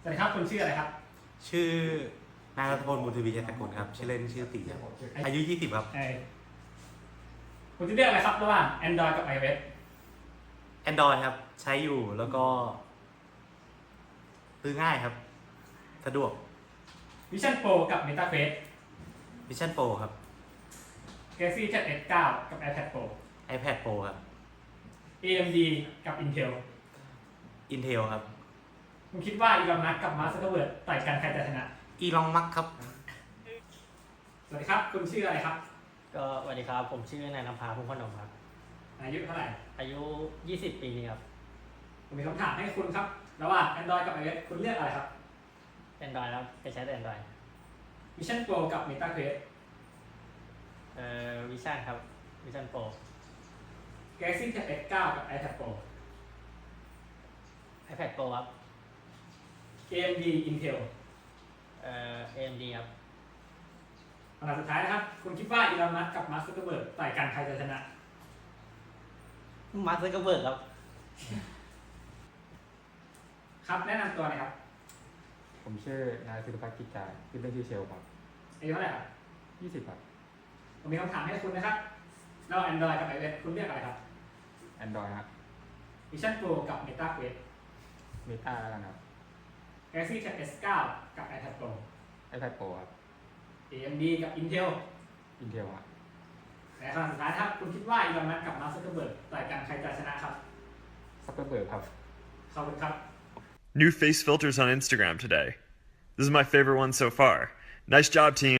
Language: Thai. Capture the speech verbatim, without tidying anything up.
สวัสดีครับคุณชื่ออะไรครับชื่อนายรัตพลบุญทวีเจตกุลครับชื่อเล่นชื่อตีครับอายุยี่สิบครับเออคุณจะเลือกอะไรครับระหว่าง Android กับ iOS Android ครับใช้อยู่แล้วก็ซื้อง่ายครับสะดวก Vision Pro กับ Meta Quest Vision Pro ครับ Galaxy Tab เอส เก้า กับ iPad Pro iPad Pro ครับเอ เอ็ม ดี กับ Intel Intel ครับคุณคิดว่าอีลอนมัสก์กับมาร์คซักเคอร์เบิร์กต่อยกันใครจะชนะอีลอนมัสก์ครับสวัสดีครับคุณชื่ออะไรครับก็สวัสดีครับผมชื่อนายนภาพุ่มพนมครับอายุเท่าไหร่อายุยี่สิบปีครับผมมีคำถามให้คุณครับระหว่าง Android กับ iOS คุณเลือกอะไรครับ Android ครับไปใช้แต่ Android Vision Pro กับ Meta Quest เอ่อ Vision ครับ Vision Pro Galaxy Tab เอส เก้า กับ iPad Pro iPad Pro ครับเอ เอ็ม ดี Intel เอ่อ เอ เอ็ม ดี ครับคำถามสุดท้ายนะครับคุณคิดว่าอีลอนมัสก์กับมาร์คซักเคอร์เบิร์กต่อยกันใครจะชนะมาร์คซักเคอร์เบิร์กครับครับแนะนำตัวหน่อยครับผมชื่อนายศิริพัฒน์กิจจาชื่อเล่นชื่อเชลครับอายุเท่าไหร่ครับยี่สิบครับผมมีคำถามให้คุณนะครับระหว่าง Android กับ iOS คุณเลือกอะไรครับ Android ครับ Vision Pro กับ Meta Quest Meta แล้วกันครับ Galaxy Tab เอส เก้า กับ iPad Pro iPad Pro ครับเอ เอ็ม ดี กับ Intel Intel ครับและคำถามสุดท้ายครับคุณคิดว่าอีลอนมัสก์กับมาร์คซักเคอร์เบิร์กต่อยกันใครจะชนะครับซักเกอร์เบิร์กครับขอบคุณครับ New face filters on Instagram today. This is my favorite one so far. Nice job, team.